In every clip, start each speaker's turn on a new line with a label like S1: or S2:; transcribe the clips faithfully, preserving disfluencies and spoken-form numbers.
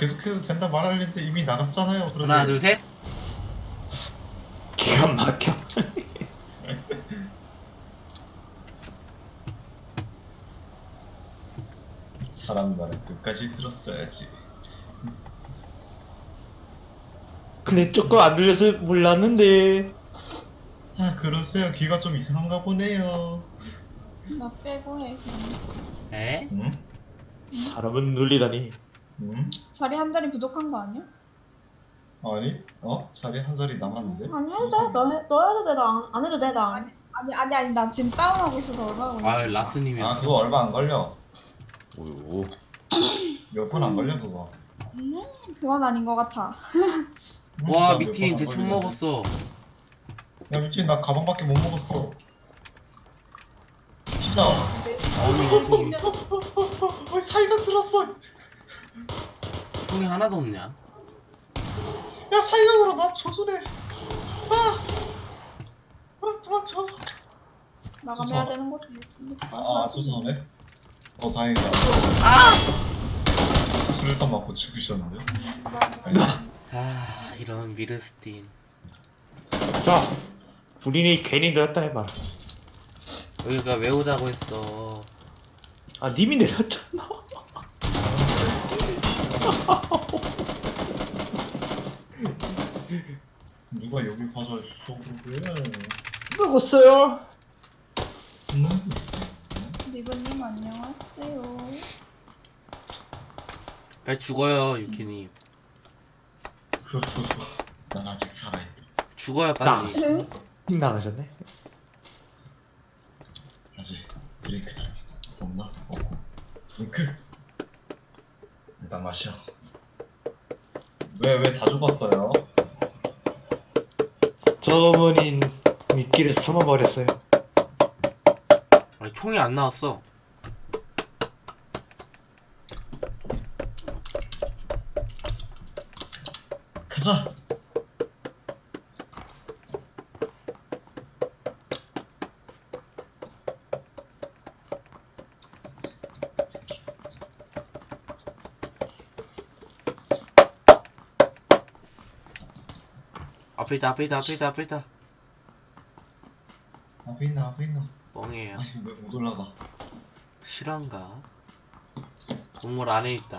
S1: 계속해도 된다 말하려는데 이미 나갔잖아요. 그러면.
S2: 하나 둘 셋.
S3: 기가 막혀.
S1: 사람 말은 끝까지 들었어야지.
S3: 근데 조금 안 들려서 몰랐는데.
S1: 아 그러세요. 귀가 좀 이상한가 보네요.
S4: 나 빼고 해 그냥.
S2: 에?
S1: 응?
S3: 사람은 놀리다니.
S1: 응?
S4: 자리 한 자리 부족한 거 아니야?
S1: 아니? 어? 자리 한 자리 남았는데?
S4: 아니 해도 돼. 너, 해, 너 해도 돼. 나 안 해도 돼. 나 아니 아니 아니, 아니 나 지금 다운하고 있어서 얼마나 걸려.
S2: 아
S1: 아
S2: 라스님이었어.
S1: 그거 얼마 안 걸려.
S3: 오.
S1: 몇 분 안 걸려 그거.
S4: 음, 그건 아닌 것 같아.
S1: 응?
S2: 와
S1: 나몇
S2: 미팅
S1: 분
S2: 제
S1: 안
S2: 총
S1: 걸리는데.
S2: 먹었어.
S1: 야 미친 나 가방밖에 못 먹었어. 진짜.
S2: 아니 미팅이
S1: 어, 사이가 들었어.
S2: 총이 하나도 없냐?
S1: 야 사이가으로 나 조준해. 아, 아 도망쳐.
S4: 나가면 되는 것도 있으니까.
S1: 아 조준하네. 어 다행이다.
S2: 아!
S1: 수류탄 맞고 죽으셨는데.
S2: 아 이런 미르스틴.
S3: 자, 우리는 괜히 내렸다 해봐.
S2: 여기가 왜 오자고 했어.
S3: 아, 님이 내렸잖아.
S1: 누가 여기 가서 있어 그래.
S3: 먹었어요.
S1: 음 있어.
S4: 리브님 안녕하세요.
S2: 빨리 죽어요 유키님.
S1: 난 아직 살아있다.
S2: 죽어요 빨리.
S3: 힘 나가셨네.
S1: 아직 드링크다. 없나? 없고. 드링크. 일단 마셔. 왜 왜 다 죽었어요?
S3: 저분이 미끼를 삼아버렸어요.
S2: 아니 총이 안 나왔어.
S1: 가자.
S2: 앞에 있다 앞에 있다 앞에 있다 앞에 있다.
S1: 앞에 있나 앞에 있나.
S2: 뻥이에요.
S1: 아니 왜 못 올라가.
S2: 실화인가? 건물 안에 있다.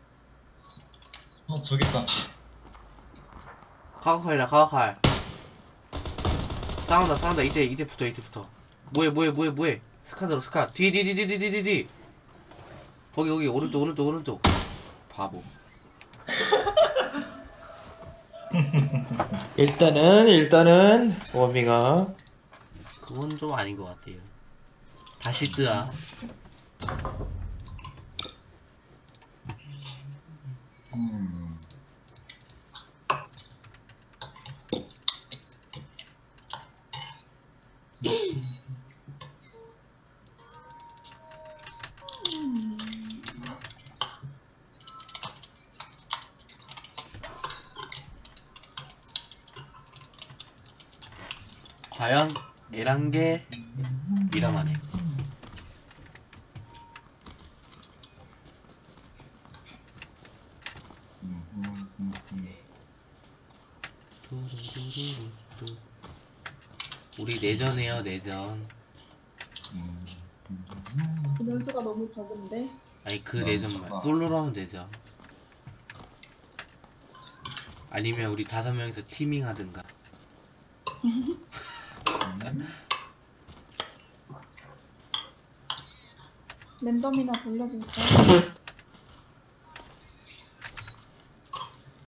S1: 어 저기 있다.
S2: 카고칼이다 카고칼. 싸운다 싸운다. 이제 이제 붙어 이제 붙어. 뭐해 뭐해 뭐해 뭐해. 스카 들어 스카. 뒤 뒤 뒤 뒤 뒤 뒤 뒤. 거기 거기 오른쪽 오른쪽 오른쪽. 바보.
S3: 일단은 일단은 워밍업.
S2: 그건 좀 아닌 것 같아요. 다시 뜨아.
S1: 음.
S2: 과연 에란게 미라마네. 우리 내전해요 내전.
S4: 인원수가 너무 적은데.
S2: 아니 그 내전만 솔로로 하면 되죠. 아니면 우리 다섯 명이서 티밍 하든가.
S4: 랜덤이나 돌려볼까?